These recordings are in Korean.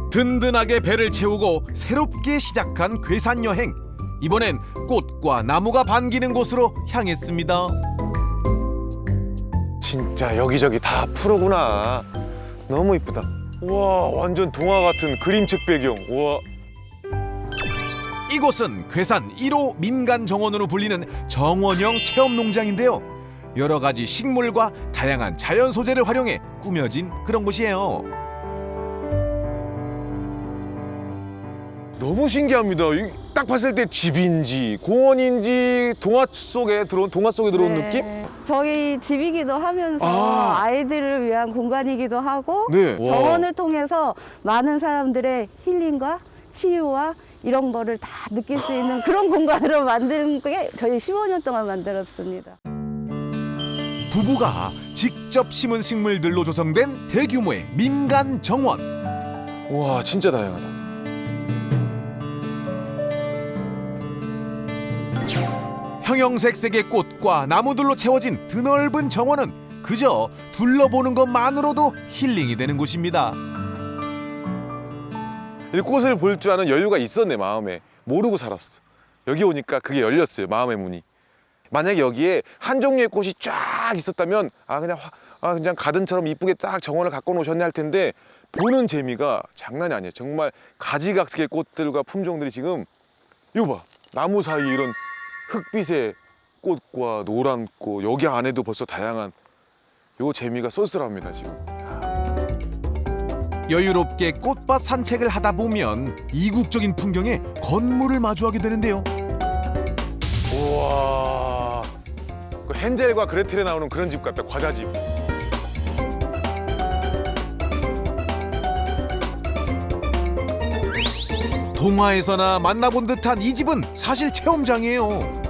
든든하게 배를 채우고 새롭게 시작한 괴산 여행. 이번엔 꽃과 나무가 반기는 곳으로 향했습니다. 진짜 여기저기 다 푸르구나. 너무 이쁘다. 우와, 완전 동화 같은 그림책 배경. 우와. 이곳은 괴산 1호 민간 정원으로 불리는 정원형 체험 농장인데요. 여러 가지 식물과 다양한 자연 소재를 활용해 꾸며진 그런 곳이에요. 너무 신기합니다. 딱 봤을 때 집인지 공원인지 동화 속에 들어온 네. 느낌? 저희 집이기도 하면서 아. 아이들을 위한 공간이기도 하고 네. 와. 정원을 통해서 많은 사람들의 힐링과 치유와 이런 거를 다 느낄 수 있는 그런 공간으로 만든 게 저희 15년 동안 만들었습니다. 부부가 직접 심은 식물들로 조성된 대규모의 민간 정원. 우와, 진짜 다양하다. 형형색색의 꽃과 나무들로 채워진 드넓은 정원은 그저 둘러보는 것만으로도 힐링이 되는 곳입니다. 이 꽃을 볼 줄 아는 여유가 있었네, 마음에. 모르고 살았어. 여기 오니까 그게 열렸어요, 마음의 문이. 만약에 여기에 한 종류의 꽃이 쫙 있었다면 그냥 가든처럼 이쁘게 딱 정원을 갖고 놓으셨네 할 텐데, 보는 재미가 장난이 아니에요. 정말 가지각색의 꽃들과 품종들이 지금, 이거 봐, 나무 사이 이런 흑빛의 꽃과 노란 꽃, 여기 안에도 벌써 다양한 요 재미가 쏠쏠합니다 지금. 여유롭게 꽃밭 산책을 하다 보면 이국적인 풍경에 건물을 마주하게 되는데요. 우와, 그 헨젤과 그레텔에 나오는 그런 집 같다, 과자집. 동화에서나 만나본 듯한 이 집은 사실 체험장이에요.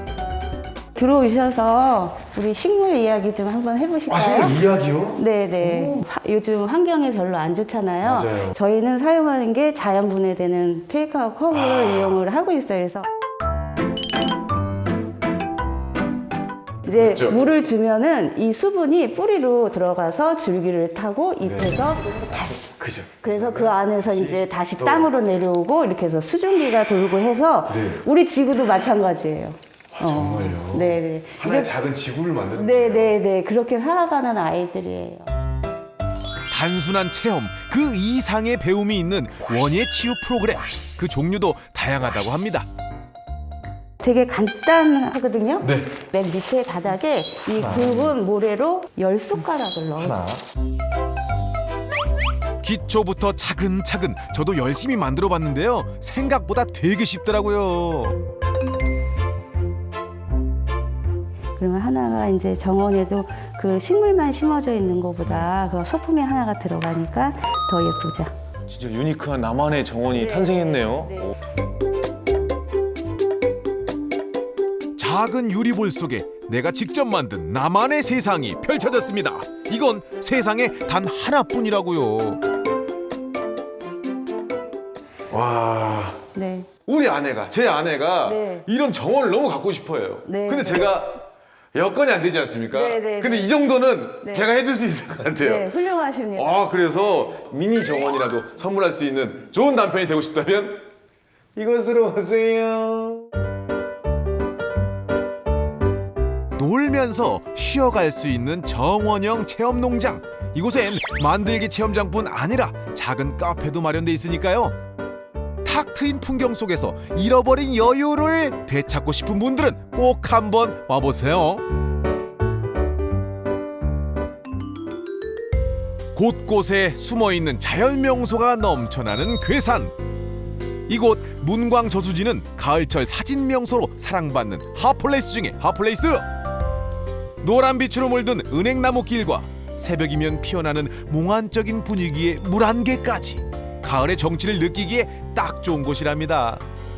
들어오셔서 우리 식물 이야기 좀 한번 해보실까요? 이야기요? 네네. 요즘 환경이 별로 안 좋잖아요. 맞아요. 저희는 사용하는 게 자연 분해되는 테이크아웃 컵을 이용을 하고 있어요. 그래서 이제 그렇죠. 물을 주면은 이 수분이 뿌리로 들어가서 줄기를 타고 잎에서 발사. 그죠. 그래서 그 안에서 이제 다시 땅으로 내려오고 이렇게 해서 수증기가 돌고 해서 네. 우리 지구도 마찬가지예요. 정말요? 네네. 하나의 작은 지구를 만드는 네네네. 그렇게 살아가는 아이들이에요. 단순한 체험, 그 이상의 배움이 있는 원예 치유 프로그램. 그 종류도 다양하다고 합니다. 되게 간단하거든요. 네. 맨 밑에 바닥에 이 굵은 모래로 10숟가락을 넣어요. 기초부터 차근차근 저도 열심히 만들어 봤는데요. 생각보다 되게 쉽더라고요. 그러면 하나가 이제 정원에도 그 식물만 심어져 있는 것보다 그 소품이 하나가 들어가니까 더 예쁘죠. 진짜 유니크한 나만의 정원이 탄생했네요. 네. 오. 작은 유리볼 속에 내가 직접 만든 나만의 세상이 펼쳐졌습니다. 이건 세상에 단 하나뿐이라고요. 와, 네. 제 아내가 네. 이런 정원을 너무 갖고 싶어해요. 네. 근데 제가 여건이 안 되지 않습니까? 네, 네, 근데 네. 이 정도는 네. 제가 해줄 수 있을 것 같아요. 네, 훌륭하십니다. 그래서 미니 정원이라도 선물할 수 있는 좋은 남편이 되고 싶다면 이곳으로 오세요. 놀면서 쉬어갈 수 있는 정원형 체험 농장. 이곳엔 만들기 체험장뿐 아니라 작은 카페도 마련돼 있으니까요. 탁 트인 풍경 속에서 잃어버린 여유를 되찾고 싶은 분들은 꼭 한번 와보세요. 곳곳에 숨어있는 자연 명소가 넘쳐나는 괴산. 이곳 문광 저수지는 가을철 사진 명소로 사랑받는 핫플레이스 중에 핫플레이스. 노란 빛으로 물든 은행나무 길과 새벽이면 피어나는 몽환적인 분위기의 물 안개까지 가을의 정취를 느끼기에 딱 좋은 곳이랍니다.